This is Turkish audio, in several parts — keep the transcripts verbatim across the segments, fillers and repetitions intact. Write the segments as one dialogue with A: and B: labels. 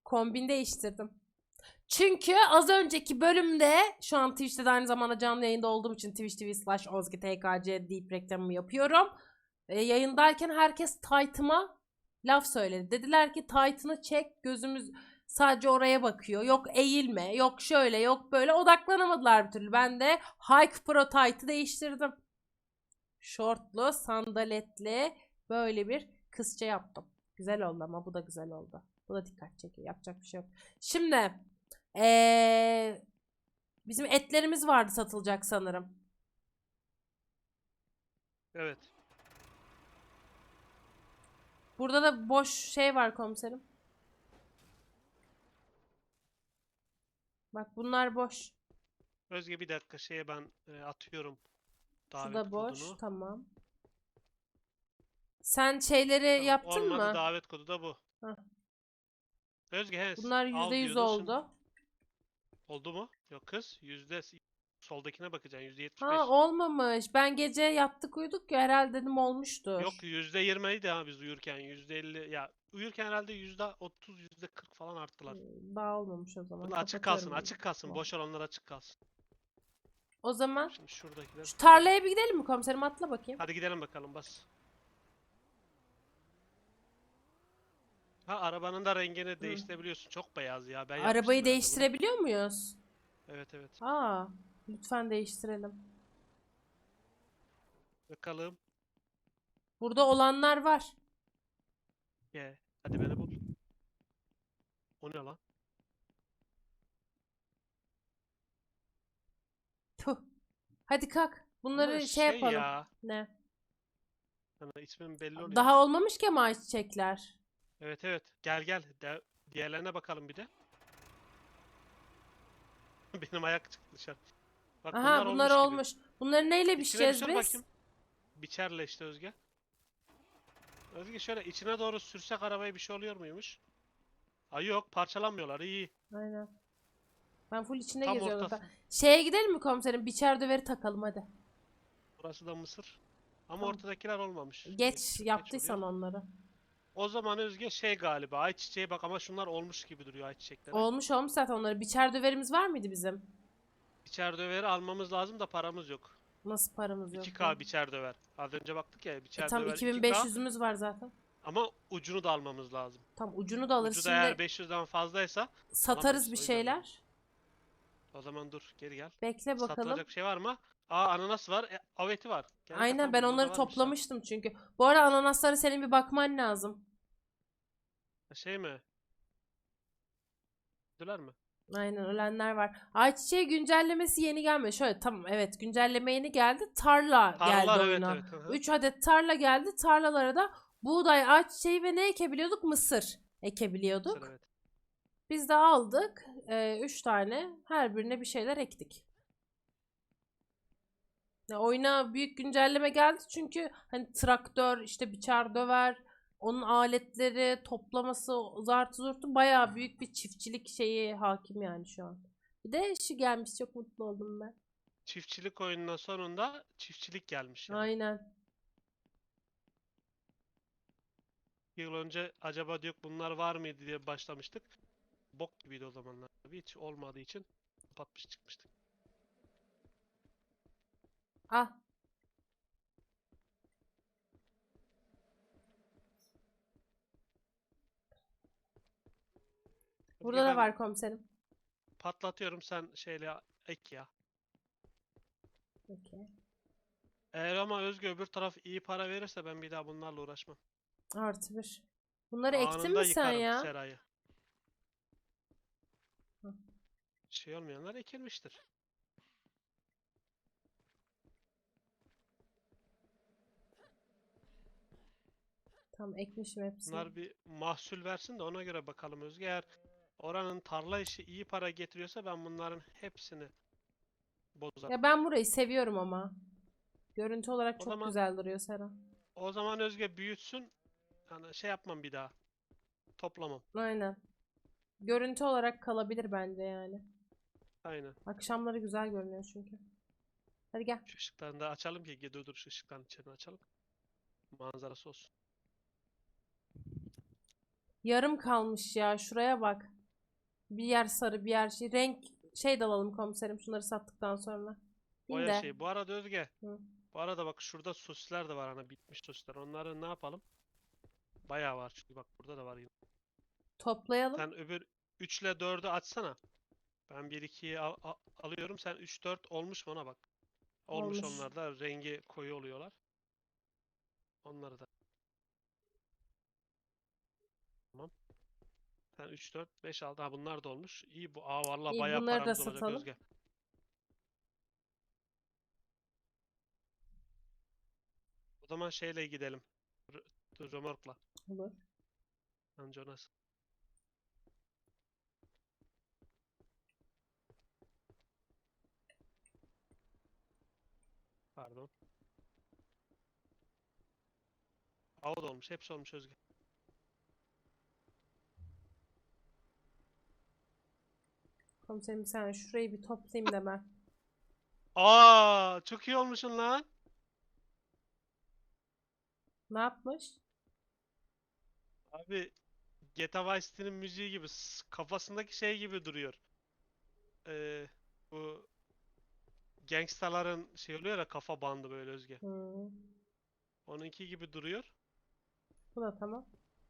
A: Kombin değiştirdim. Çünkü az önceki bölümde şu an Twitch'te de aynı zamanda canlı yayında olduğum için Twitch TV slash Ozgi T K C deyip reklamımı yapıyorum. E, yayındayken herkes Titan'a laf söyledi. Dediler ki Titan'ı çek, gözümüz sadece oraya bakıyor. Yok eğilme, yok şöyle, yok böyle. Odaklanamadılar bir türlü. Ben de Hike Pro Titan'ı değiştirdim. Şortlu, sandaletli böyle bir kızça yaptım. Güzel oldu ama bu da güzel oldu. Bu da dikkat çekiyor. Yapacak bir şey yok. Şimdi ee, bizim etlerimiz vardı satılacak sanırım.
B: Evet.
A: Burada da boş şey var komiserim. Bak bunlar boş.
B: Özge bir dakika şeye ben e, atıyorum
A: Şu
B: davet
A: da boş.
B: kodunu.
A: Tamam. Sen şeyleri
B: Tamam,
A: yaptın
B: olmadı,
A: mı?
B: davet kodu da bu.
A: Heh.
B: Özge he,
A: Bunlar yüzde
B: al
A: yüz
B: diyordun şimdi.
A: oldu.
B: Oldu mu? Yok kız. Yüzde soldakine bakacaksın. Yüzde yetmiş
A: Ha
B: beş.
A: olmamış. Ben gece yattık uyuduk ya herhalde dedim olmuştur.
B: Yok yüzde yirmiydi ha biz uyurken. Yüzde elli. Ya uyurken herhalde yüzde otuz, yüzde kırk falan arttılar.
A: Hmm, Daha olmamış o zaman.
B: Bunlar açık kalsın,
A: Kapatıyorum
B: açık kalsın.
A: bunu.
B: Boş olanlar açık kalsın.
A: O zaman
B: Şimdi şuradakiler.
A: şu tarlaya bir gidelim mi komiserim? Atla bakayım.
B: Hadi gidelim bakalım, bas. Ha, arabanın da rengini değiştirebiliyorsun. Çok beyaz ya. Ben yapmıştım
A: Arabayı
B: herhalde bunu.
A: değiştirebiliyor muyuz?
B: Evet evet.
A: Aa, lütfen değiştirelim.
B: Bakalım.
A: Burada olanlar var.
B: Ye. Hadi beni bul. O ne lan?
A: Tuh. Hadi kalk. Bunları
B: Bunlar
A: şey,
B: şey
A: yapalım.
B: ya.
A: Ne?
B: Hani ismim belli
A: Daha
B: oluyormuş.
A: olmamış ki ama ayçiçekler.
B: Evet evet. Gel gel. De diğerlerine bakalım bir de. Benim ayak çıktı dışarı. Bak
A: Aha
B: bunlar
A: bunlar
B: olmuş gibi.
A: olmuş. Bunları neyle
B: İçine bir
A: biçeceğiz
B: sür
A: biz?
B: bakayım. Biçerle işte Özge. Özge şöyle içine doğru sürsek arabaya bir şey oluyor muymuş? Ay yok, parçalanmıyorlar. İyi.
A: Aynen. Ben full içinde
B: Tam
A: geziyorum zaten.
B: ortası.
A: Şeye gidelim mi komiserim? Biçer döveri takalım hadi.
B: Burası da mısır. Ama
A: Tamam.
B: ortadakiler olmamış. Neyse,
A: Geç
B: çok geç oluyor.
A: yaptıysan onları.
B: O zaman Özge şey galiba ayçiçeği, bak ama şunlar olmuş gibi duruyor ayçiçekleri.
A: Olmuş olmuş zaten onları. Biçer döverimiz var mıydı bizim?
B: Biçer döveri almamız lazım da paramız yok.
A: Nasıl paramız yok ya?
B: iki K biçer döver. Az önce baktık ya,
A: E
B: biçer
A: tam
B: döver iki K
A: iki bin beş yüzümüz var zaten.
B: ama ucunu da almamız lazım.
A: Tam ucunu da alırız.
B: Ucu da eğer
A: Şimdi
B: beş yüzden fazlaysa
A: satarız
B: alamayız.
A: bir
B: O yüzden diyorum.
A: şeyler.
B: O zaman dur, geri gel.
A: Bekle bakalım.
B: Satılacak bir şey var mı? Aa, ananas var. E, aveti var. Gel gel,
A: Aynen
B: tamam
A: ben
B: burada
A: onları
B: varmış zaten.
A: toplamıştım çünkü. Bu arada ananaslara senin bir bakman lazım.
B: Ha, şey mi? Ödüler mi?
A: Aynen ölenler var. Ayçiçeği güncellemesi yeni gelmedi. Şöyle tamam evet güncelleme yeni geldi. Tarla geldi
B: Tarlalar, evet
A: oyuna.
B: evet. Hı hı.
A: üç adet tarla geldi. Tarlalara da buğday, ayçiçeği ve ne ekebiliyorduk? Mısır
B: Mısır,
A: ekebiliyorduk.
B: evet.
A: Biz de aldık. üç tane. Her birine bir şeyler ektik. Ya oyuna büyük güncelleme geldi çünkü hani traktör, işte biçer döver, onun aletleri, toplaması, zartı zurtu bayağı büyük bir çiftçilik şeyi hakim yani şu an. Bir de şu gelmiş çok mutlu oldum ben.
B: Çiftçilik oyununun sonunda çiftçilik gelmiş yani.
A: Aynen.
B: Bir yıl önce acaba diyor bunlar var mıydı diye başlamıştık. Bok gibiydi o zamanlar. Tabii hiç olmadığı için kapatmış çıkmıştık.
A: Ah burada
B: Özge
A: da
B: ben
A: var komiserim.
B: patlatıyorum, sen şeyle ek ya.
A: Okey.
B: Eğer ama Özge öbür taraf iyi para verirse ben bir daha bunlarla uğraşmam.
A: Artı bir. Bunları ektin
B: Anında
A: mi sen
B: yıkarım
A: ya?
B: serayı.
A: Hı.
B: Şey olmayanlar ekilmiştir.
A: Tamam ekmişim hepsini.
B: Bunlar bir mahsul versin de ona göre bakalım Özge. Eğer oranın tarla işi iyi para getiriyorsa ben bunların hepsini bozarım.
A: Ya ben burayı seviyorum ama. Görüntü olarak
B: O
A: çok
B: zaman
A: güzel duruyor Sera.
B: o zaman Özge büyütsün. Yani şey yapmam bir daha. Toplamam.
A: Aynen. Görüntü olarak kalabilir bence yani.
B: Aynen.
A: Akşamları güzel görünüyor çünkü. Hadi gel.
B: Şu ışıklarını da açalım ki dur dur şu ışıkların içini açalım. Manzarası olsun.
A: Yarım kalmış ya. Şuraya bak. Bir yer sarı bir yer şey. Renk şey de alalım komiserim şunları sattıktan sonra. İyi
B: Boya
A: de.
B: şey. Bu arada Özge.
A: Hı.
B: Bu arada bak şurada sosisler de var hani bitmiş sosisler. Onları ne yapalım? Bayağı var çünkü bak burada da var yine.
A: Toplayalım.
B: Sen öbür üç ile dördü açsana. Ben bir ikiyi al- al- alıyorum. Sen üç dört olmuş mu ona bak. Olmuş
A: Olmuş.
B: onlar da rengi koyu oluyorlar. Onları da. Tamam. Sen üç dört beş altı. Ha bunlar da olmuş. İyi bu. Aa vallahi
A: İyi
B: bayağı
A: bunları da
B: paramız olacak
A: satalım.
B: Özge. O zaman şeyle gidelim. R- Römorkla.
A: Olur.
B: Anca nasıl? Pardon. Hava da olmuş. Hepsi olmuş Özge.
A: Komiserim sen şurayı bir toplayayım da ben.
B: Aa, çok iyi olmuşsun lan.
A: Ne yapmış?
B: Abi G T A Vice City'nin müziği gibi s- kafasındaki şey gibi duruyor. Ee, bu gangstaların şey oluyor ya kafa bandı böyle Özge.
A: Hmm.
B: Onunki gibi duruyor.
A: Bu da tamam.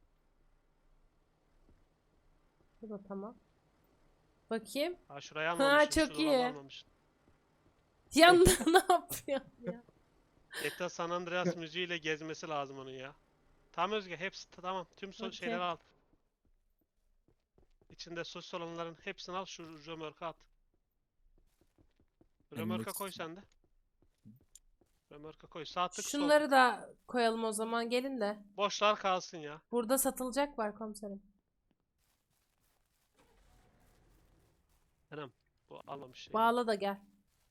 A: Bu da tamam. Bakayım.
B: Ha şurayı
A: Ha
B: almamışsın, şu
A: çok
B: dolabı
A: iyi.
B: almamışsın.
A: Yanında ne yapıyorsun ya?
B: G T A San Andreas müziğiyle gezmesi lazım onun ya. Tamam Özge, hepsi t- tamam. Tüm so şeyleri
A: Okey.
B: al. İçinde sosis olanların hepsini al, şu römorka at. Römorka koy
C: Elimdeki
B: sen de. Römorka koy. Sağ tık, sol
A: Şunları
B: tık.
A: da koyalım o zaman gelin de.
B: Boşlar kalsın ya.
A: Burada satılacak var komiserim.
B: Anam, bu almamış şey.
A: Bağla da gel.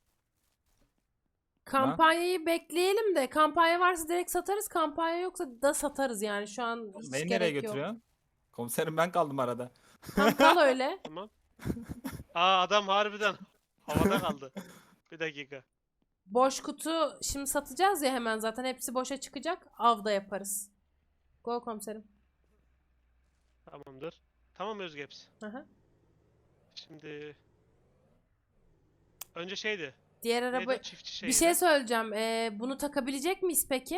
A: Kampanyayı bekleyelim de kampanya varsa direkt satarız. Kampanya yoksa da satarız yani şu an hiç
C: Beni nereye
A: gerek yok.
C: götürüyorsun? Komiserim ben kaldım arada.
A: Tam kal öyle.
B: Tamam. Aa adam harbiden havada kaldı. Bir dakika.
A: Boş kutu şimdi satacağız ya hemen zaten hepsi boşa çıkacak. Avda yaparız. Go komiserim.
B: Tamamdır. Tamam Özge hepsi.
A: Aha.
B: Şimdi önce şeydi.
A: Diğer
B: Neydi
A: araba
B: o çiftçi
A: bir
B: şeydi?
A: şey söyleyeceğim. Ee, bunu takabilecek miyiz peki?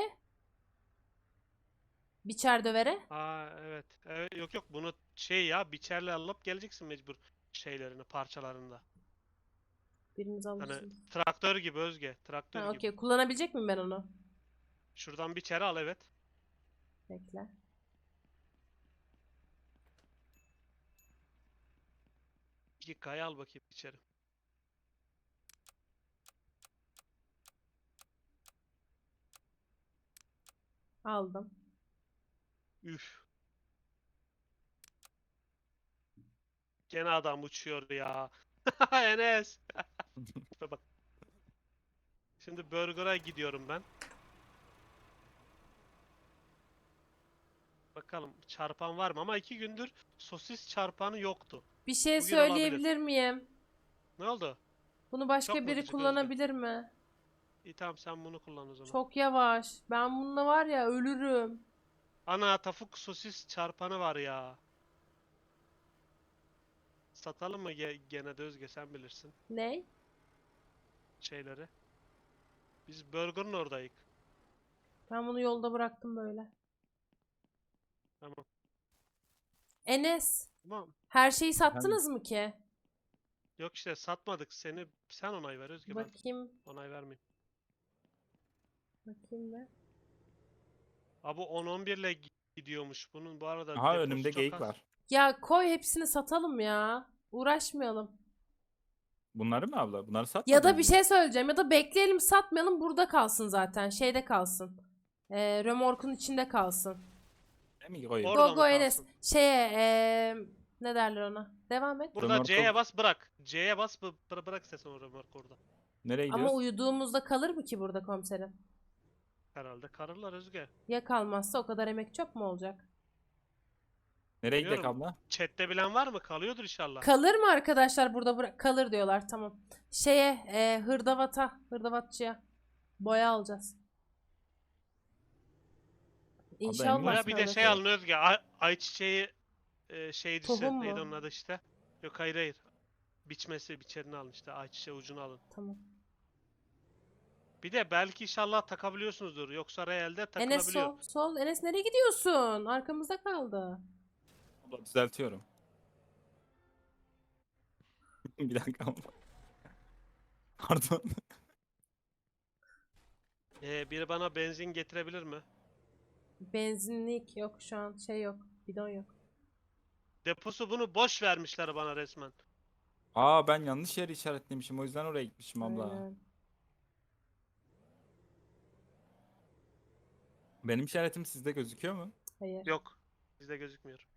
A: Biçer dövere.
B: Aa evet. Evet yok yok bunu şey ya biçerle alıp geleceksin mecbur şeylerini parçalarında.
A: Biriniz
B: Hani
A: alırsınız.
B: traktör gibi Özge. Traktör
A: Ha
B: gibi.
A: okey. Kullanabilecek miyim ben onu?
B: Şuradan biçeri al evet.
A: Bekle.
B: İki kaya al bakayım içeri.
A: Aldım.
B: Üf. Gene adam uçuyor ya. Enes. Bak. Şimdi Burger'a gidiyorum ben. Bakalım çarpan var mı? Ama iki gündür sosis çarpanı yoktu.
A: Bir şey
B: Bugün olabilir.
A: söyleyebilir miyim?
B: Ne oldu?
A: Bunu başka
B: Çok mu
A: biri
B: gıcık Özge?
A: kullanabilir mi?
B: İyi tamam sen bunu kullan o zaman.
A: Çok yavaş. Ben bununla var ya ölürüm.
B: Ana tavuk sosis çarpanı var ya. Satalım mı ge- gene de Özge sen bilirsin
A: Ne?
B: şeyleri. Biz Burger'ın oradayız.
A: Ben bunu yolda bıraktım böyle.
B: Tamam.
A: Enes,
B: Tamam.
A: her şeyi sattınız mı ki?
B: Yok işte satmadık seni. Sen onay ver Özge ben
A: Bakayım.
B: onay vermeyeyim.
A: Bakayım be.
B: Abi on on bir ile gi- gidiyormuş. Bunun bu arada
C: Aha
B: deposu
C: önümde
B: çok
C: geyik
B: az.
C: var.
A: Ya koy hepsini satalım ya. Uğraşmayalım.
C: Bunları mı abla? Bunları satmadın
A: Ya da
C: mı?
A: bir şey söyleyeceğim. Ya da bekleyelim satmayalım burada kalsın zaten. Şeyde kalsın. Ee, römorkun içinde kalsın.
C: Ne mi koyayım?
B: Orada
A: Go
B: mı
A: go Enes.
B: kalsın?
A: Şeye ee, ne derler ona? Devam et.
B: Burada
C: Römorku-
B: C'ye bas bırak. C'ye bas bı- bıra- bırak istersen o römork orada.
C: Nereye
A: Ama
C: gidiyoruz?
A: uyuduğumuzda kalır mı ki burada komiserim?
B: Herhalde kararlar Özge.
A: Ya kalmazsa o kadar emek çöp mü olacak?
C: Nereye gidelim
B: Bilmiyorum.
C: abla?
B: Chat'te bilen var mı? Kalıyordur inşallah.
A: Kalır mı arkadaşlar burada bıra- kalır diyorlar tamam. Şeye e, hırdavata hırdavatçıya boya alacağız. İnşallah
C: emin
B: Boya
C: misin?
B: bir de
A: kalır.
B: şey alın Özge. Ay, ayçiçeği e, şeycisi.
A: Tohum
B: Neydi
A: mu?
B: onun adı işte? Yok hayır hayır. Biçmesi, biçerini alın işte. Ayçiçeği ucunu alın.
A: Tamam.
B: Bir de belki inşallah takabiliyorsunuzdur. Yoksa realde
A: Enes
B: takılabiliyor.
A: sol. Sol. Enes nereye gidiyorsun? Arkamızda kaldı.
C: Abla düzeltiyorum. Bir dakika abla. Pardon.
B: Ee, biri bana benzin getirebilir mi?
A: Benzinlik yok şu an. Şey yok. Bidon yok.
B: Deposu bunu boş vermişler bana resmen.
C: Aa ben yanlış yeri işaretlemişim. O yüzden oraya gitmişim abla.
A: Aynen.
C: Benim işaretim sizde gözüküyor mu?
A: Hayır.
B: Yok. Bizde gözükmüyor.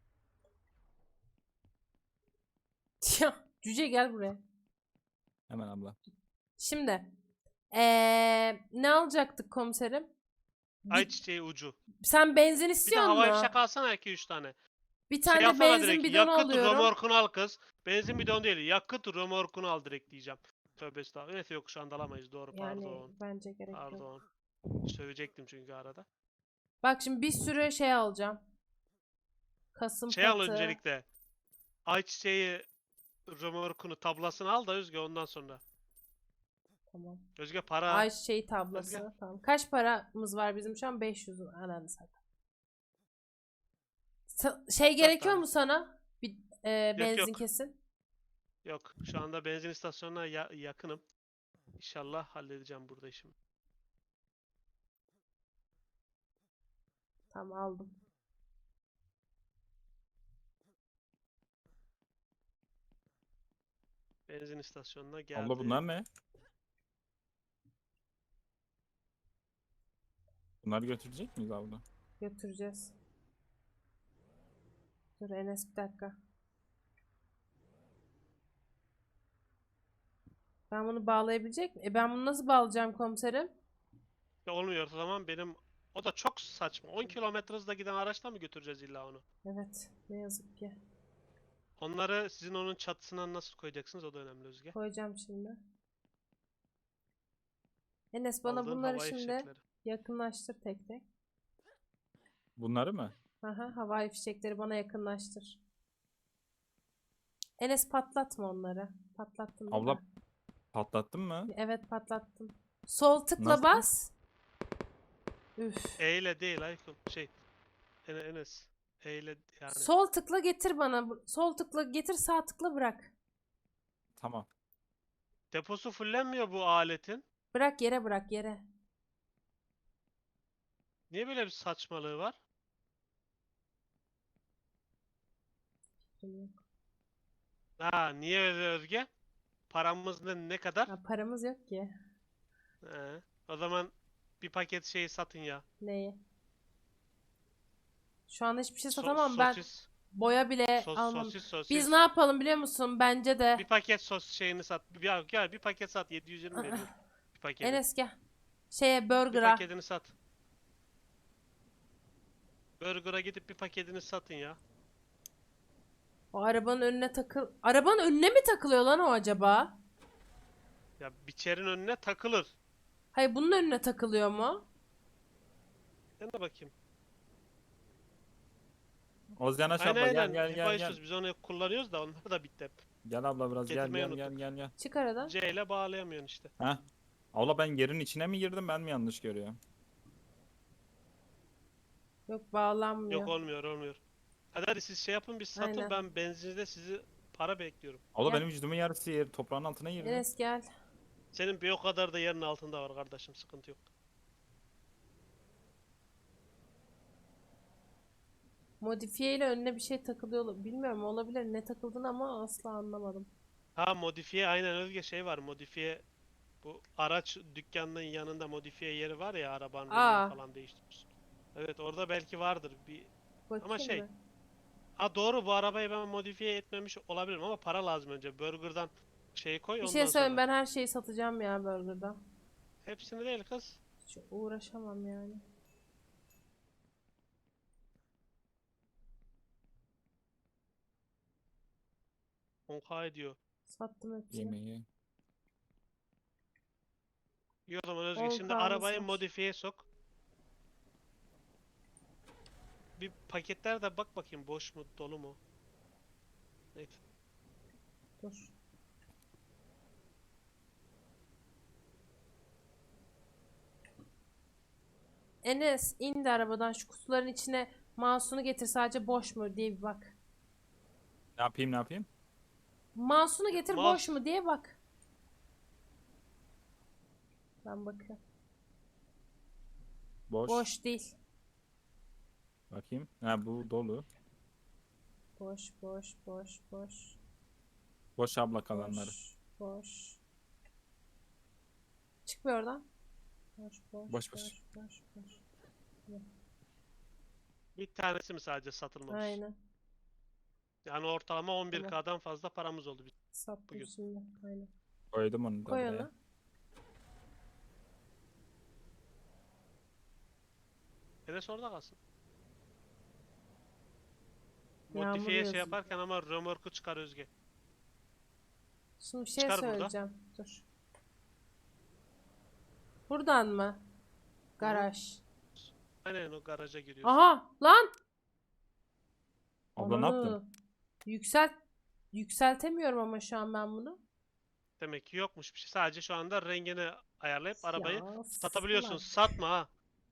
A: Ya cüce gel buraya.
C: Hemen abla.
A: Şimdi. Ee, ne alacaktık komiserim? Bir-
B: Ayçiçeği ucu.
A: sen benzin
B: Bir de
A: istiyor
B: havai
A: musun?
B: fişek alsana iki üç tane.
A: Bir
B: Şey
A: tane
B: yapsana
A: benzin
B: direkt.
A: bidonu
B: Yakıt
A: alıyorum.
B: römorkunu al kız. Benzin bidonu değil. Yakıt römorkunu al direkt diyeceğim. Tövbe estağfurullah. Evet yok şu anda alamayız. Doğru
A: Yani
B: pardon.
A: bence gerek yok.
B: Pardon. Sövecektim çünkü arada.
A: Bak şimdi bir sürü şey alacağım. Kasım
B: Şey al
A: patı.
B: öncelikle. Ayçiçeği römorkunu tablasını al da Özge ondan sonra.
A: Tamam.
B: Özge para.
A: Ayçiçeği tablası.
B: Özge.
A: Tamam. Kaç paramız var bizim şu an? beş yüz. Ananı satayım. Sa- Şey gerekiyor
B: tane.
A: mu sana? Bir e, benzin
B: yok.
A: kesin.
B: Yok. Şu anda benzin istasyonuna ya- yakınım. İnşallah halledeceğim burada işimi.
A: Tamam aldım.
B: Benzin istasyonuna geldim.
C: Abla bunlar ne? Bunları götürecek miyiz abla?
A: Götüreceğiz. Dur Enes bir dakika. Ben bunu bağlayabilecek miyim? E ben bunu nasıl bağlayacağım komiserim?
B: Ya olmuyor o zaman benim o da çok saçma. on kilometre hızla giden araçla mı götüreceğiz illa onu?
A: Evet. Ne yazık ki.
B: Onları sizin onun çatısına nasıl koyacaksınız o da önemli Özge.
A: Koyacağım şimdi. Enes bana
B: Aldığın
A: bunları
B: havai
A: şimdi
B: fişekleri.
A: yakınlaştır tek tek.
C: Bunları mı?
A: Aha, havai fişekleri bana yakınlaştır. Enes patlatma onları. Patlattın değil
C: Abla
A: mi?
C: patlattın mı?
A: Evet patlattım. Sol tıkla
C: Nasıl?
A: bas. Üf.
B: E ile değil Aykut. Şey. Ene- Enes. E ile yani.
A: Sol tıkla getir bana. Bu- Sol tıkla getir, sağ tıkla bırak.
C: Tamam.
B: Deposu fullenmiyor bu aletin.
A: Bırak yere, bırak yere.
B: Niye böyle bir saçmalığı var? Ha niye öyle Özge? Paramız ne, ne kadar?
A: Ya paramız yok ki.
B: He. O zaman bir paket şeyi satın ya.
A: Neyi? Şu anda hiçbir şey
B: So-
A: satamam ben.
B: sosis,
A: Boya bile
B: sos,
A: almam.
B: sosis, sosis.
A: Biz ne yapalım biliyor musun? Bence de.
B: Bir paket sos şeyini sat. Ya gel bir paket sat yedi yüz yirmi veriyor. Bir paketi.
A: Enes gel. Şeye
B: Bir
A: burger'a.
B: paketini sat. Burger'a gidip bir paketini satın ya.
A: O arabanın önüne takıl. Arabanın önüne mi takılıyor lan o acaba?
B: Ya biçerin önüne takılır.
A: Hayır bunun önüne takılıyor mu?
B: Ben de bakayım.
C: Ozyan aç
B: Aynen
C: abla gel
B: aynen.
C: gel
B: Hep
C: gel gel.
B: Ayşuz, biz onu kullanıyoruz da onlar da bitti hep.
C: Gel abla biraz gel
B: Getirmeyi
C: gel gel
B: unuttuk.
C: gel gel.
A: Çık aradan.
B: C ile bağlayamıyorsun işte.
C: Heh. Abla ben yerin içine mi girdim ben mi yanlış görüyorum?
A: Yok bağlanmıyor.
B: Yok olmuyor olmuyor. Hadi hadi siz şey yapın biz satın
A: Aynen.
B: ben benzincide sizi para bekliyorum.
C: Abla
A: Gel.
C: benim vücudumun yarısı yer toprağın altına girdi.
A: Enes gel.
B: Senin bir o kadar da yerin altında var kardeşim sıkıntı yok.
A: Modifiye ile önüne bir şey takılıyor. ol- Bilmiyorum olabilir ne takıldığını ama asla anlamadım.
B: Ha modifiye aynen Özge şey var modifiye bu araç dükkanının yanında modifiye yeri var ya arabanın
A: Aa.
B: rengini falan değiştiriyorsun. Evet orada belki vardır bir.
A: Bakayım
B: şey,
A: mı?
B: Ha doğru bu arabayı ben modifiye etmemiş olabilirim ama para lazım önce. Burger'dan şeyi koy
A: Bir
B: ondan
A: şey söyleyeyim
B: sonra.
A: ben her şeyi satacağım ya burger'da.
B: Hepsini değil kız.
A: Hiç uğraşamam yani.
B: on K ediyor.
A: Sattım hepsini.
C: Yemeği.
B: İyi o zaman Özge
A: on
B: şimdi
A: K'mız
B: arabayı
A: var.
B: modifiye sok. Bir paketler de bak bakayım boş mu dolu mu? Neyse.
A: Dur. Enes indi arabadan, şu kutuların içine mouse'unu getir, sadece boş mu diye bir bak.
C: Ne yapayım ne yapayım?
A: Mouse'unu getir, boş
B: Mouse.
A: mu diye bak. Ben bakıyorum.
C: Boş.
A: Boş değil.
C: Bakayım. Ha bu dolu.
A: Boş, boş, boş, boş.
C: Boş abla kalanları.
A: Boş, boş. Çık bir oradan. Boş, boş,
C: Boş,
A: boş,
C: boş.
A: boş, boş.
B: Bir tanesi mi sadece satılmamış?
A: Aynen.
B: Yani ortalama on bir
A: Tamam.
B: K'dan fazla paramız oldu biz
A: Sattım
B: bugün.
A: şimdi. Aynen.
C: Koydum onu da
A: Koy
C: buraya.
A: onu.
B: Enes orada kalsın.
A: Yağmur
B: Modifiye
A: yazıyor.
B: şey yaparken ama römorku çıkar Özge.
A: Şimdi bir şey
B: Çıkar buradan.
A: söyleyeceğim. Dur. Buradan mı? Garaj.
B: Aynen o garaja giriyorsun.
A: Aha lan.
C: Abla ne yaptın?
A: Ananı. Yükselt yükseltemiyorum ama şu an ben bunu.
B: Demek ki yokmuş bir şey. Sadece şu anda rengini ayarlayıp arabayı
A: Ya,
B: satabiliyorsun.
A: salak.
B: Satma ha.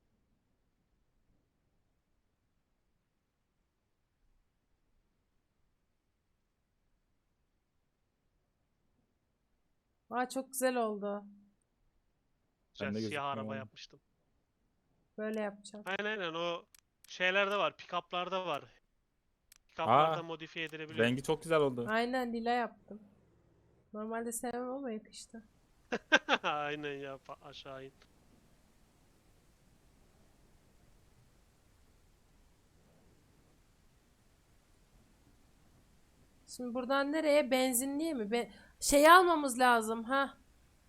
A: Aa, çok güzel oldu.
B: Güzel
C: de
B: siyah
C: gözükmüyor
B: araba
C: ama.
B: yapmıştım.
A: Böyle yapacağım.
B: Aynen aynen o şeylerde var. Pick-up'larda var. Pick-up'larda
C: Aa,
B: modifiye edilebiliyor.
C: rengi çok güzel oldu.
A: Aynen lila yaptım. Normalde sevmem ama yakıştı.
B: Aynen ya fa- aşağı in.
A: Şimdi buradan nereye? Benzinliğe mi? Be şeyi almamız lazım ha.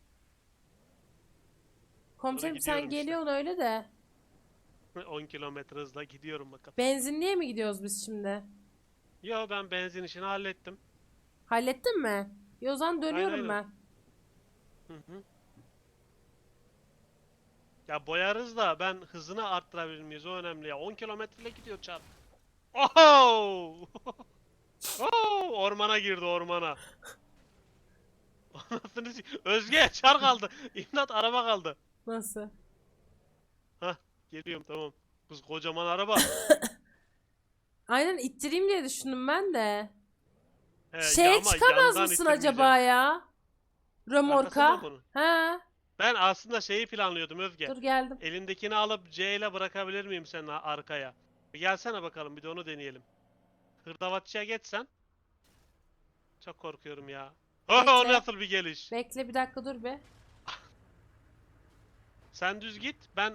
A: Komiserim sen
B: gidiyorum işte.
A: geliyorsun öyle de.
B: on kilometre hızla gidiyorum bakalım.
A: Benzinliğe mi gidiyoruz biz şimdi?
B: Yo ben benzin işini hallettim.
A: Hallettin mi? İyi, o zaman dönüyorum
B: aynen.
A: ben.
B: Hı hı. Ya boyarız da ben hızını arttırabilir miyiz? O önemli ya. on kilometreyle gidiyor çarp. Oho! Oo, ormana girdi ormana. Anasını s- Özge çar kaldı. İmdat araba kaldı.
A: Nasıl?
B: Hah geliyorum tamam. Kız kocaman araba.
A: Aynen ittireyim diye düşündüm ben de.
B: He, ya
A: Şeye
B: ama
A: çıkamaz
B: yandan
A: mısın
B: ittirmeyeceğim.
A: acaba ya?
B: Arkasında
A: Römorka.
B: mı bunun?
A: Ha,
B: Ben aslında şeyi planlıyordum Özge.
A: dur geldim.
B: Elindekini alıp C ile bırakabilir miyim senin a- arkaya? Bir gelsene bakalım bir de onu deneyelim. Hırdavatçıya geçsen. Çok korkuyorum ya. Oh, o
A: Bekle.
B: nasıl bir geliş?
A: Bekle bir dakika dur be.
B: Sen düz git. Ben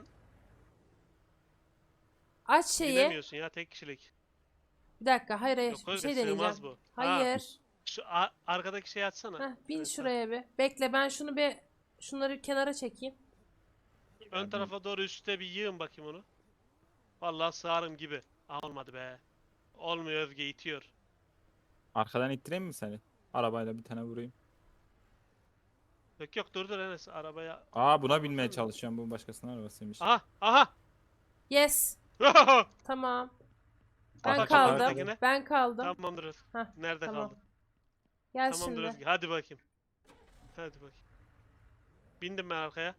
A: Aç şeyi.
B: binemiyorsun ya tek kişilik.
A: Bir dakika, hayır hayır,
B: Yok
A: bir
B: Özge
A: şey deneyeceğim.
B: sığmaz bu. Ha,
A: Hayır.
B: şu a- arkadaki şeyi açsana.
A: Heh, bin
B: Evet,
A: şuraya bir. Bekle ben şunu bir şunları kenara çekeyim.
B: Ön tarafa doğru üstte bir yığın bakayım onu. Vallahi sığarım gibi. Aa, olmadı be. Olmuyor Özge itiyor.
C: Arkadan ittireyim mi seni? Arabayla bir tane vurayım.
B: Yok yok dur dur Enes arabaya.
C: Aa buna binmeye çalışıyorum. Bu başkasının arabasıymış.
B: Aha aha.
A: Yes. Tamam. Ben
C: Arka
A: kaldım.
B: taraftakine.
A: Ben kaldım.
B: Tamamdır Özge.
A: Heh,
B: Nerede
A: tamam.
B: kaldın?
A: Gel
B: Tamamdır
A: şimdi.
B: Özge. Hadi bakayım. Hadi bakayım. Bindim ben arkaya.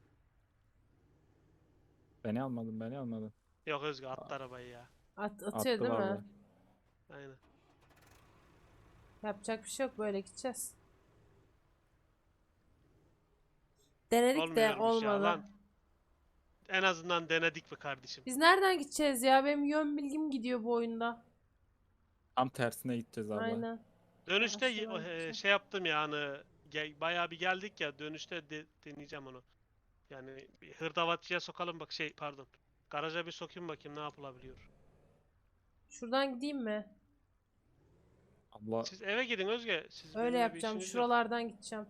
C: Beni almadın beni almadın.
B: Yok Özge attı arabayı ya.
A: At, atıyor değil
C: Attılar
A: mi?
C: be.
B: Aynen.
A: Yapacak bir şey yok, böyle gideceğiz. Denedik de
B: Olmuyormuş ya
A: olmadı.
B: lan. En azından denedik mi kardeşim?
A: Biz nereden gideceğiz ya? Benim yön bilgim gidiyor bu oyunda.
C: Tam tersine gideceğiz abla.
A: Aynen.
B: Dönüşte y-
A: Aşağıdan
B: e,
A: gideceğim.
B: şey yaptım yani ge- bayağı bir geldik ya dönüşte de- deneyeceğim onu. Yani bir hırdavatçıya sokalım bak şey pardon. Garaja bir sokayım bakayım ne yapılabiliyor.
A: Şuradan gideyim mi?
C: Abla
B: Siz eve gidin Özge. Siz
A: Öyle
B: benimle bir
A: yapacağım.
B: işiniz yok.
A: Şuralardan gideceğim.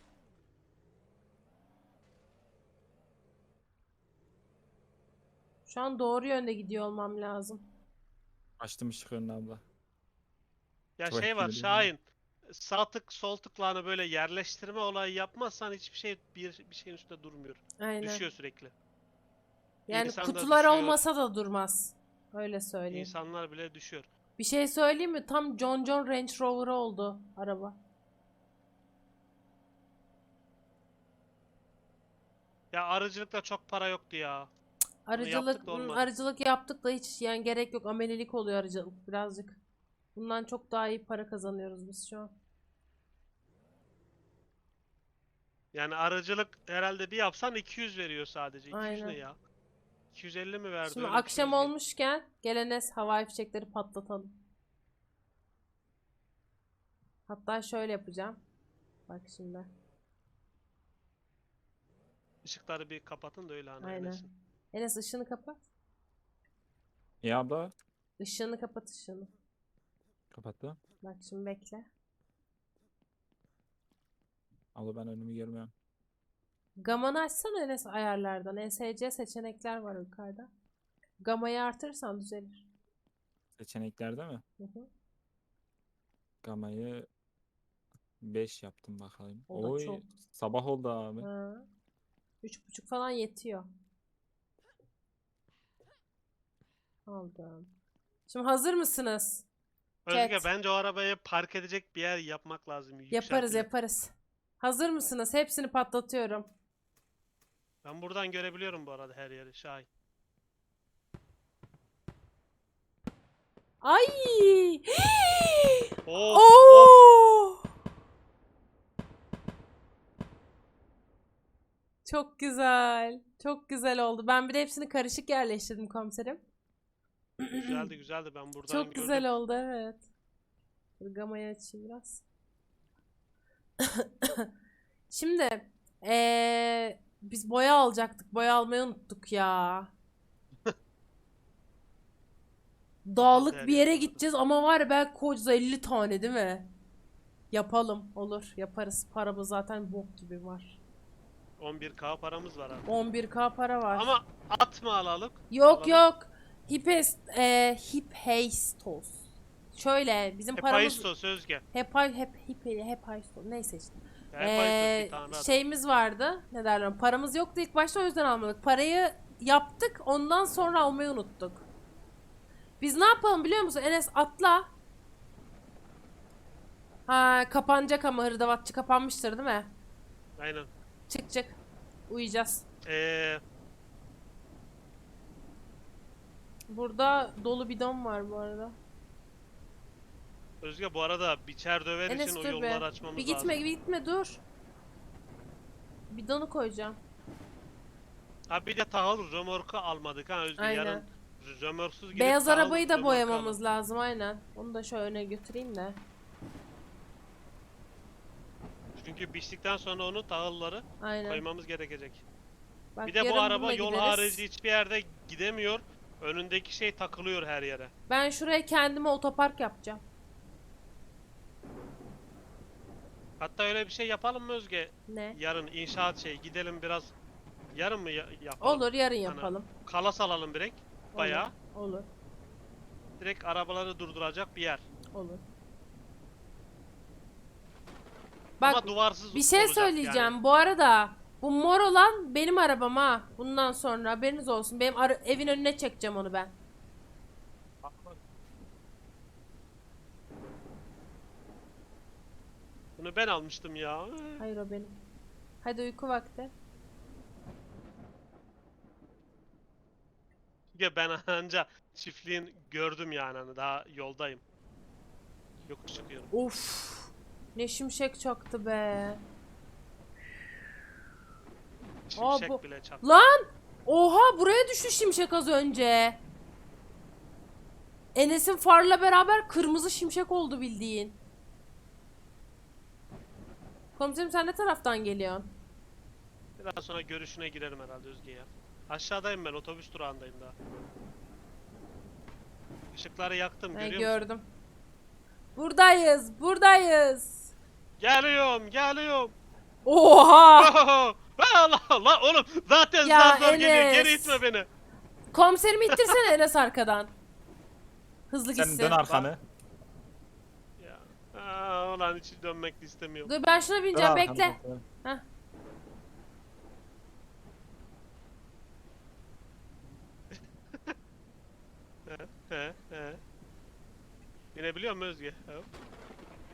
A: Şu an doğru yönde gidiyor olmam lazım.
C: açtım ışık önüne abla.
B: Ya
C: Çok
B: şey var
C: etkili değil mi?
B: Şahin. Sağ tık sol tıkla böyle yerleştirme olayı yapmazsan hiçbir şey bir, bir şeyin üstünde durmuyor.
A: Aynen.
B: Düşüyor sürekli.
A: Yani
B: İnsan da
A: kutular
B: düşüyor.
A: olmasa da durmaz. Öyle söyleyeyim.
B: İnsanlar bile düşüyor.
A: Bir şey söyleyeyim mi? Tam John John Range Rover oldu araba.
B: Ya arıcılıkta çok para yoktu ya.
A: Arıcılık,
B: yaptık da
A: hmm,
B: olmadı.
A: arıcılık yaptık da hiç yani gerek yok. Amelilik oluyor arıcılık birazcık. Bundan çok daha iyi para kazanıyoruz biz şu an.
B: Yani arıcılık herhalde bir yapsan iki yüz veriyor sadece. iki yüz ne
A: Aynen.
B: ya? iki yüz elli mi verdi?
A: Şimdi
B: Öyle bir şey
A: akşam
B: Özge.
A: olmuşken gelene havai fişekleri patlatalım. Hatta şöyle yapacağım. Bak şimdi.
B: Işıkları bir kapatın da öyle hani
A: Aynen.
B: Enes'in.
A: Enes ışığını kapat.
C: Ya abla
A: Işığını kapat ışığını.
C: kapattı.
A: Bak şimdi bekle.
C: Abla ben önümü görmüyorum.
A: Gamanı açsana Enes ayarlardan. E S C seçenekler var yukarıda. Gamayı artırırsan düzelir.
C: Seçeneklerde mi?
A: Hı hı.
C: Gamayı beş yaptım bakalım.
A: O da
C: Oy
A: çok.
C: sabah oldu abi.
A: Ha. Üç buçuk falan yetiyor. Aldım. Şimdi hazır mısınız?
B: Özge
A: Chat.
B: bence o arabayı park edecek bir yer yapmak lazım.
A: Yaparız
B: Yükseltilir.
A: yaparız. Hazır mısınız? Hepsini patlatıyorum.
B: Ben buradan görebiliyorum bu arada her yeri Şahin.
A: Ay!
B: Of of.
A: Oo! Çok güzel. Çok güzel oldu. Ben bir de hepsini karışık yerleştirdim komiserim.
B: Güzeldi güzeldi ben buradan
A: Çok
B: gördüm.
A: güzel oldu evet. Dur, gamayı açayım biraz. Şimdi eee, biz boya alacaktık. Boya almayı unuttuk ya. Dağlık
B: her
A: bir
B: yer
A: yere
B: bu arada.
A: gideceğiz ama var ya belki koca elli tane değil mi? Yapalım. Olur. Yaparız. Paramız zaten bok gibi var.
B: on bir K paramız var abi.
A: on bir K para var.
B: Ama at mı alalım?
A: Yok
B: Alalım.
A: yok. Hipes, e, Hiphaistos. Şöyle bizim paramız
B: Hephaistos Özge.
A: hep hep hep Hephaistos neyse işte.
B: Ya Hephaistos
A: Ee,
B: bir tane at.
A: şeyimiz vardı. Ne derler? Paramız yoktu ilk başta o yüzden almadık. Parayı yaptık ondan sonra almayı unuttuk. Biz ne yapalım biliyor musun? Enes atla. Ha kapanacak ama hırdavatçı kapanmıştır değil mi?
B: Aynen.
A: Çık çık. Uyuyacağız.
B: Eee
A: Burada dolu bidon var bu arada.
B: Özge bu arada biçer döver
A: Enes
B: için o
A: dur
B: yolları
A: be.
B: açmamız
A: Bir gitme
B: lazım.
A: bir gitme dur. Bidonu koyacağım.
B: Ha bir de tahıl römorku almadık ha Özge.
A: Aynen.
B: Yarın römorksuz gidip
A: Beyaz
B: tahıl
A: arabayı da
B: römorku
A: boyamamız
B: alalım.
A: lazım aynen. Onu da şöyle öne götüreyim de.
B: Çünkü biçtikten sonra onu tahılları
A: Aynen.
B: koymamız gerekecek.
A: Bak,
B: Bir de bu
A: yarın
B: araba
A: bununla
B: yol
A: gideriz.
B: harici hiçbir yerde gidemiyor. Önündeki şey takılıyor her yere.
A: Ben şuraya kendime otopark yapacağım.
B: Hatta öyle bir şey yapalım mı Özge?
A: Ne?
B: Yarın inşaat şey gidelim biraz. Yarın mı ya- yapalım?
A: Olur yarın
B: Hani
A: yapalım.
B: kalas alalım direkt. Bayağı.
A: Olur. Olur.
B: Direkt arabaları durduracak bir yer.
A: Olur. Bak
B: Ama duvarsız
A: bir şey
B: olacak
A: söyleyeceğim.
B: yani.
A: Bu arada bu mor olan benim arabam ha. Bundan sonra haberiniz olsun. Benim ara- evin önüne çekeceğim onu ben.
B: Bunu ben almıştım ya.
A: Hayır o benim. Hadi uyku vakti.
B: Ya ben anca çiftliğin gördüm yani hani daha yoldayım. Yokuş çıkıyorum.
A: Of. Ne şimşek çaktı be.
B: Şimşek
A: bu-
B: bile çak.
A: Lan! Oha buraya düştü şimşek az önce. Enes'in farla beraber kırmızı şimşek oldu bildiğin. Komiserim sen ne taraftan geliyorsun?
B: Biraz sonra görüşüne girerim herhalde Özge ya. Aşağıdayım ben otobüs durağındayım daha. Işıkları yaktım
A: Ben
B: görüyor musun?
A: gördüm. Buradayız, buradayız.
B: Geliyorum geliyorum.
A: Oha!
B: Allah Allah oğlum zaten
A: Ya
B: zar zor geliyor
A: Enes.
B: geri itme beni.
A: Komiserimi ittirsene Enes arkadan. Hızlı
C: Sen
A: gitsin.
C: dön arkanı.
B: Ya. Aa, ulan hiç dönmek de istemiyorum.
A: Dur ben şuna
C: Dön
A: bineceğim
C: arkanı.
A: bekle.
C: dön.
A: Heh.
B: He he he. Binebiliyor musun Özge? Hop.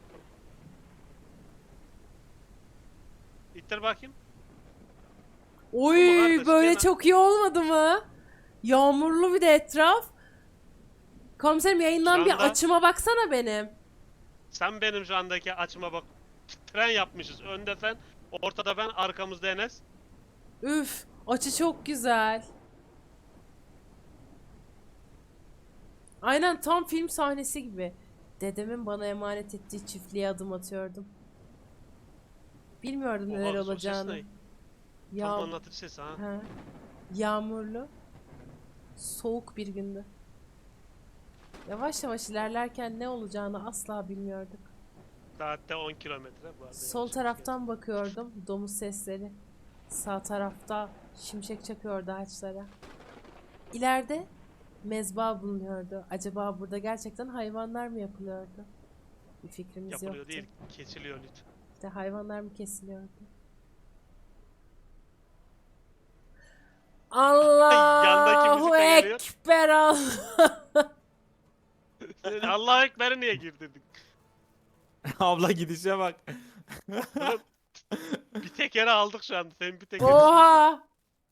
B: İttir bakayım.
A: Oy
B: kardeş,
A: böyle
B: gene-
A: çok iyi olmadı mı? Yağmurlu bir de etraf. Komiserim yayından
B: Şu
A: bir
B: anda-
A: açıma baksana benim.
B: Sen benim şu andaki açıma bak. Tren yapmışız. Önde sen, ortada ben, arkamızda Enes.
A: Üf, açı çok güzel. Aynen tam film sahnesi gibi. Dedemin bana emanet ettiği çiftliğe adım atıyordum. Bilmiyordum
B: Oha,
A: neler
B: o ses
A: olacağını.
B: ne? Tam
A: Ya
B: anlatıcı sesi ha.
A: ha. Yağmurlu. Soğuk bir gündü. Yavaş yavaş ilerlerken ne olacağını asla bilmiyorduk.
B: Saatte on kilometre bu arada.
A: Sol
B: yanlış
A: taraftan bakıyordum, domuz sesleri. Sağ tarafta şimşek çakıyordu ağaçlara. İleride mezba bulunuyordu. Acaba burada gerçekten hayvanlar mı yapılıyordu? Bir fikrimiz
B: yapılıyor
A: yoktu.
B: değil, kesiliyor lütfen.
A: İşte hayvanlar mı kesiliyordu? Allahu
B: müzik de geliyor.
A: Ekber Allah.
B: Allahu Ekber'e niye girdirdik?
C: Abla gidişe bak.
B: Oğlum, bir tekere aldık şu anda. Senin bir tekeri.
A: Oha!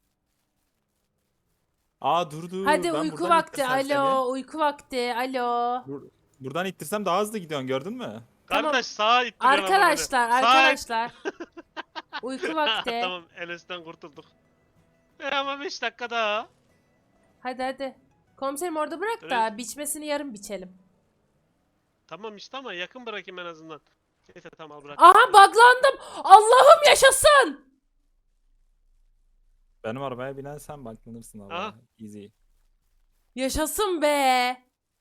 C: Aa dur dur.
A: Hadi
C: ben
A: uyku
C: buradan
A: vakti.
C: ittirsem seni.
A: Alo, uyku vakti. Alo.
C: Bur- buradan ittirsem daha hızlı gidiyorsun gördün mü?
A: Tamam.
B: Kardeş sağa ittiriyorum ama beni.
A: Arkadaşlar,
B: Sağa-
A: arkadaşlar. Uyku vakti.
B: Tamam, Enes'ten kurtulduk. E ama beş dakika daha.
A: Hadi hadi. Komiserim orada bırak da
B: Evet.
A: biçmesini yarın biçelim.
B: Tamam işte ama yakın bırakayım en azından. Neyse tamam al bırak.
A: Aha buglandım. Allah'ım yaşasın.
C: Benim arabaya binen sen baklanırsın abla.
B: Aha.
C: Easy.
A: Yaşasın be.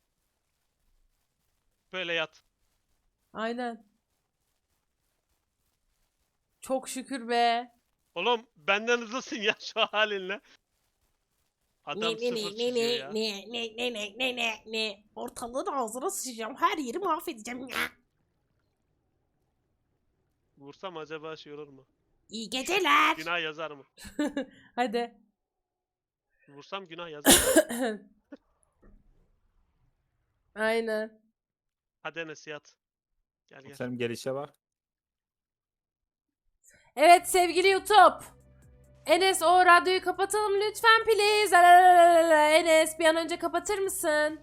B: Böyle yat.
A: Aynen. Çok şükür be.
B: Oğlum benden hızlısın ya şu halinle. Adam sıfır çiziyor ya.
A: ne ne ne ne ne ne ne ortalığın ağzına sıçacağım, her yeri mahvedeceğim.
B: Vursam acaba şey olur mu?
A: İyi geceler.
B: Günah yazar mı?
A: Hadi.
B: Vursam günah yazar mı?
A: Aynen.
B: Hadi Enes yat. Gel gel.
C: Senin gelişe bak.
A: Evet sevgili YouTube. Enes o radyoyu kapatalım lütfen please. Alalalala. Enes bir an önce kapatır mısın?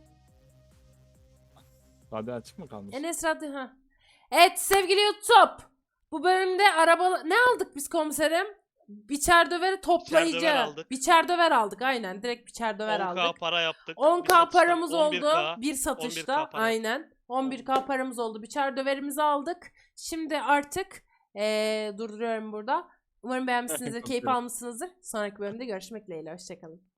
C: Radyo açık mı kalmış?
A: Enes radyo ha. Evet sevgili YouTube. Bu bölümde araba ne aldık biz komiserim? Biçer döveri toplayıcı.
B: Biçer döver aldık.
A: Biçer döver aldık aynen. Direkt biçer döver
B: on K
A: aldık.
B: para yaptık.
A: on
B: Bir
A: K
B: satıştan
A: paramız
B: on bir
A: oldu.
B: K.
A: Bir satışta.
B: on bir K para.
A: Aynen. on bir K paramız oldu. Biçer döverimizi aldık. Şimdi artık ee, durduruyorum burada. Umarım beğenmişsinizdir, keyif
C: Aferin.
A: almışsınızdır. Sonraki bölümde görüşmek dileğiyle. Hoşçakalın.